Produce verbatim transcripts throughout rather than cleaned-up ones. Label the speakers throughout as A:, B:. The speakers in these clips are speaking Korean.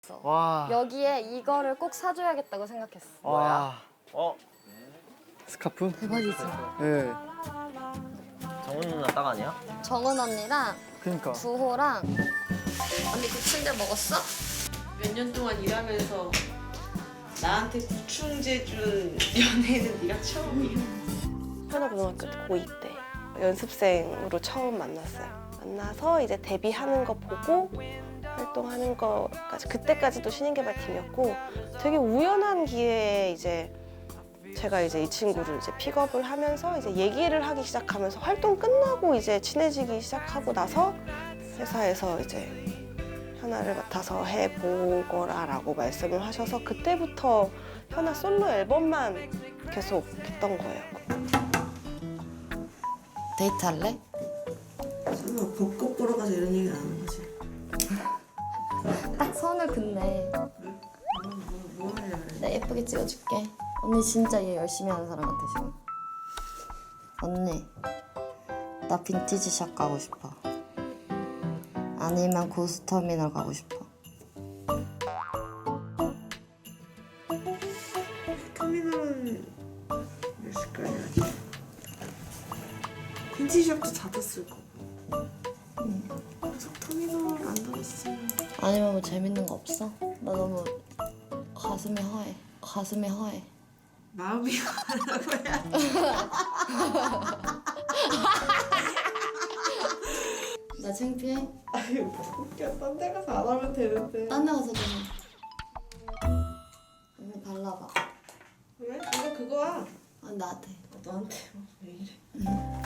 A: 와.
B: 여기에 이거를 꼭 사줘야겠다고 생각했어.
A: 와.
C: 어?
A: 스카프?
B: 대박이지.
A: 네.
C: 정은 누나 딱 아니야?
B: 정은 언니랑
A: 그러니까.
B: 두호랑 언니 부침개 먹었어?
D: 몇 년 동안 일하면서 나한테 구충제 준 연애는 네가 처음이야.
E: 하나고등학교 고이 때 연습생으로 처음 만났어요. 만나서 이제 데뷔하는 거 보고 활동하는 거까지, 그때까지도 신인개발팀이었고 되게 우연한 기회에 이제 제가 이제 이 친구를 이제 픽업을 하면서 이제 얘기를 하기 시작하면서 활동 끝나고 이제 친해지기 시작하고 나서 회사에서 이제 현아를 맡아서 해보거라라고 말씀을 하셔서 그때부터 현아 솔로 앨범만 계속 했던 거예요.
B: 데이트할래?
D: 설마 벚꽃 보러 가서 이런 얘기 안 하는 거지?
B: 딱 선을 긋네.
D: 뭐, 뭐 하려고 그래?
B: 내가 예쁘게 찍어줄게. 언니 진짜 일 열심히 하는 사람 같아 지금. 언니, 나 빈티지 샵 가고 싶어. 아니면 고스터미널 가고 싶어.
D: 터미널은 몇 시까지 하지? 빈티지샵도 닫았을 거고. 응. 터미널 안 닫았으면.
B: 아니면 뭐 재밌는 거 없어? 나 너무 가슴이 허해. 가슴이 허해.
D: 마음이 하라고야.
B: 나 창피해?
D: 아니 뭐 웃겨. 딴 데 가서 안 하면 되는데.
B: 딴 데 가서 좀 언니 발라봐.
D: 그래? 이거 그거야.
B: 아 나한테.
D: 너한테 왜 이래? 아,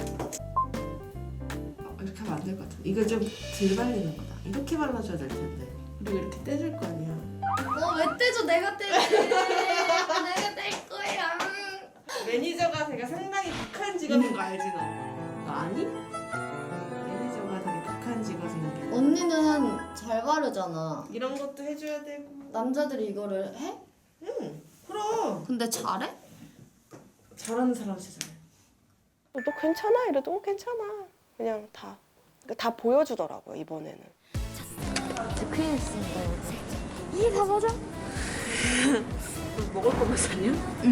D: 이렇게 하면 안 될 것 같아. 이거 좀 덜 발리는 거다. 이렇게 발라줘야 될 텐데. 그리고 이렇게 떼줄 거 아니야.
B: 너왜 떼줘? 내가 떼지. 내가 뗄 거야.
D: 매니저가 제가 상당히 북한 직업인 거 알지 너? 너 아니? 매니저가 되게 북한 직업인
B: 언니는 잘 바르잖아.
D: 게 이런 것도 해줘야 되고.
B: 남자들이 이거를 해?
D: 응 그럼
B: 근데 잘해?
D: 잘하는 사람 세상에.
E: 너 괜찮아? 이래도 어, 괜찮아. 그냥 다, 다 보여주더라고요, 이번에는.
B: 이제 큰일 났습니다. 이게 다 맞아?
D: 먹을 거면 사냐?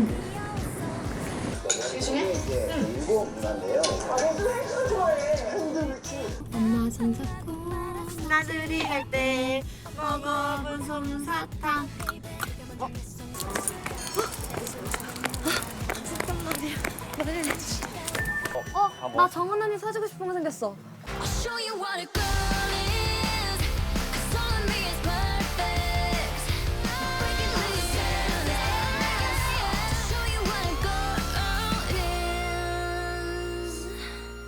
B: 엄마 손잡고 나들이 갈 때 먹어본 솜사탕. 어? 잠깐만요. 어, 나 정은 언니 사주고 싶은 거 생겼어.
F: I'll show you what it goes.